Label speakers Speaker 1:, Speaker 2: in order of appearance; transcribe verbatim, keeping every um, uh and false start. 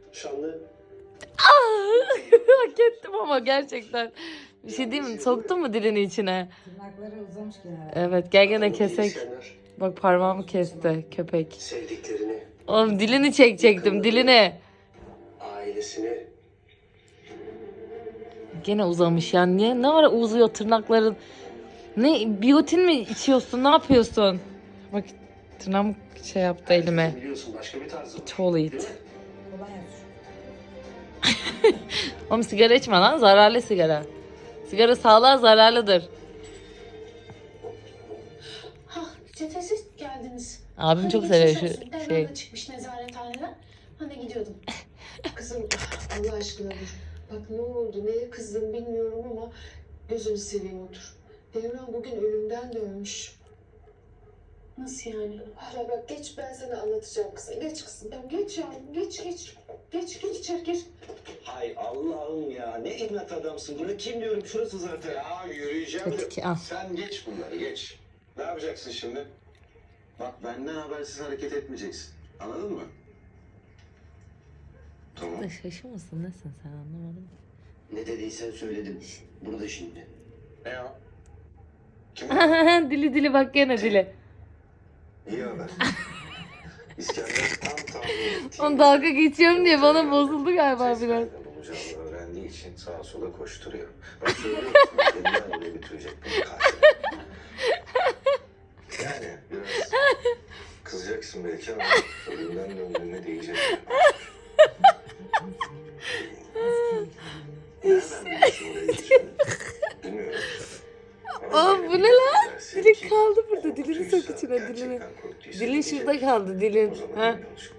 Speaker 1: şanlı.
Speaker 2: Hak ettim ama gerçekten. Bir şey diyeyim mi? Soktun mu dilini içine?
Speaker 3: Tırnakları uzamış gene.
Speaker 2: Evet, gel gene
Speaker 1: Adamı
Speaker 2: kesek.
Speaker 1: diyesenler,
Speaker 2: Bak parmağımı kesti köpek.
Speaker 1: sevdiklerini,
Speaker 2: Oğlum dilini çekecektim, dilini.
Speaker 1: ailesini.
Speaker 2: Gene uzamış yani. Niye? Ne ara uzuyor tırnakların? Ne? Biyotin mi içiyorsun? Ne yapıyorsun? Bak tırnağım şey yaptı elime.
Speaker 1: Biliyorsun başka bir tarzı var.
Speaker 2: Çoğul
Speaker 1: Değil
Speaker 2: it.
Speaker 1: mi?
Speaker 3: Kolonya sür.
Speaker 2: Oğlum sigara içme lan. Zararlı sigara. Sigara sağlığa zararlıdır.
Speaker 4: Hah, cephesiz geldiniz.
Speaker 2: Abim
Speaker 4: Hadi
Speaker 2: çok
Speaker 4: geçmiş
Speaker 2: seviyor şu
Speaker 4: olsun. Devran
Speaker 2: şey.
Speaker 4: da çıkmış nezarethaneden. Hani gidiyordum.
Speaker 5: Kızım Allah aşkına dur. Bak ne oldu, neye kızdın bilmiyorum ama gözünü seveyim otur. Devran bugün ölümden dönmüş.
Speaker 4: Nasıl yani?
Speaker 5: Hala bak geç ben sana anlatacağım kızım. Geç kızım. Ben geç yavrum geç geç. Geç geç içeri gir.
Speaker 1: Hay Allah'ım ya, ne inat adamsın. Bunu kim diyorum, şurası zaten.
Speaker 6: Ya yürüyeceğim de
Speaker 2: Peki, al.
Speaker 6: sen geç bunları geç. Ne yapacaksın şimdi?
Speaker 1: Bak benden habersiz hareket etmeyeceksin. Anladın mı? Tamam.
Speaker 2: Da şaşırmasın nesin sen, anlamadım.
Speaker 1: Ne dediysen söyledim. Burada şimdi.
Speaker 6: Ne o? Kim?
Speaker 2: Dili dili bak gene dili.
Speaker 1: İyi haber. İskender tam tahmin ettiği
Speaker 2: Onu dalga geçiyorum diye bana bozuldu galiba biraz.
Speaker 1: nerede bulacağını öğrendiği için sağa sola koşturuyor. Ben söylüyorum sana, elinden öyle götürecek beni katil. Yani biraz kızacaksın belki ama ölümden döndüğüne değecek. Nereden biliyorsun oraya gideceğini? Bilmiyorum. Ama
Speaker 2: Oğlum,
Speaker 1: böyle
Speaker 2: bu ne
Speaker 1: bir
Speaker 2: lan?
Speaker 1: derse
Speaker 2: Dili
Speaker 1: ki,
Speaker 2: kaldı burada, dilini sok
Speaker 1: korktuysa,
Speaker 2: içine, dilini.
Speaker 1: gerçekten korktuysa
Speaker 2: Dilin
Speaker 1: gidecek.
Speaker 2: şurada kaldı,
Speaker 1: O
Speaker 2: dilin.
Speaker 1: zaman
Speaker 2: Ha?
Speaker 1: emin ol,